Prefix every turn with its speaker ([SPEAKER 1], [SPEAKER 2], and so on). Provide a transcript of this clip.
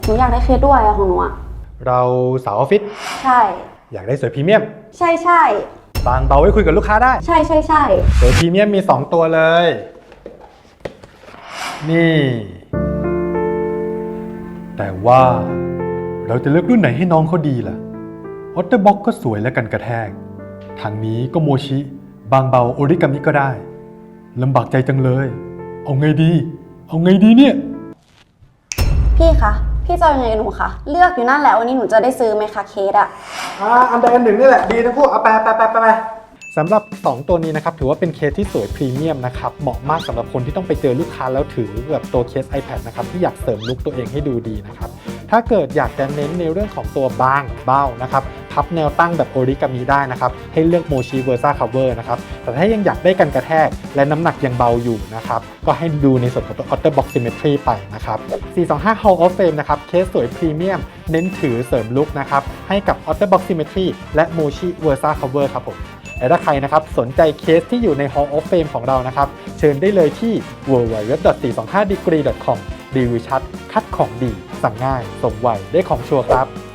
[SPEAKER 1] หนูอยากได้เคสด้วยอะของหนูอะ
[SPEAKER 2] เราสาวออฟฟิศ
[SPEAKER 1] ใช่
[SPEAKER 2] อยากได้สวยพรีเมียม
[SPEAKER 1] ใช่ใช่
[SPEAKER 2] บางเบาไว้คุยกับลูกค้าได้
[SPEAKER 1] ใช่ใช่ใช่
[SPEAKER 2] สวยพรีเมียมมี 2 ตัวเลย นี่ แต่ว่าเราจะเลือกรุ่นไหนให้น้องเขาดีล่ะออตเตอร์บ็อกก็สวยและกันกระแทกทางนี้ก็โมชิบางเบาโอริกามิก็ได้ลำบากใจจังเลย เอาไงดี เอาไงดีเนี่ย
[SPEAKER 1] พี่คะพี่จะเอายังไงกับหนูคะเลือกอยู่นั่นแหละวันนี้หนูจะได้ซื้อไหมคะเคสอะ
[SPEAKER 2] อันใดอันหนึ่งนี่แหละดีทั้งคู่เอาไปสำหรับ 2 ตัวนี้นะครับถือว่าเป็นเคสที่สวยพรีเมียมนะครับเหมาะมากสำหรับคนที่ต้องไปเจอลูกค้าแล้วถือแบบตัวเคส iPad นะครับที่อยากเสริมลุคตัวเองให้ดูดีนะครับถ้าเกิดอยากจะเน้นในเรื่องของตัวบางเบ้านะครับพับแนวตั้งแบบโอริกามิได้นะครับให้เลือกโมชิเวอร์ซ่าคัฟเวอร์นะครับแต่ถ้ายังอยากได้กันกระแทกและน้ำหนักยังเบาอยู่นะครับก็ให้ดูในส่วนของตัว OtterBox Symmetry ไปนะครับ425 Hall of Fame นะครับเคสสวยพรีเมียมเน้นถือเสริมลุคนะครับให้กับ OtterBox Symmetry และ Mochi Versa Cover ครับผมและถ้าใครนะครับสนใจเคสที่อยู่ใน Hall of Fame ของเรานะครับเชิญได้เลยที่ www.425degree.com รีวิวชัดคัดของดีสั่งง่ายส่งไวได้ของชัวร์ครับ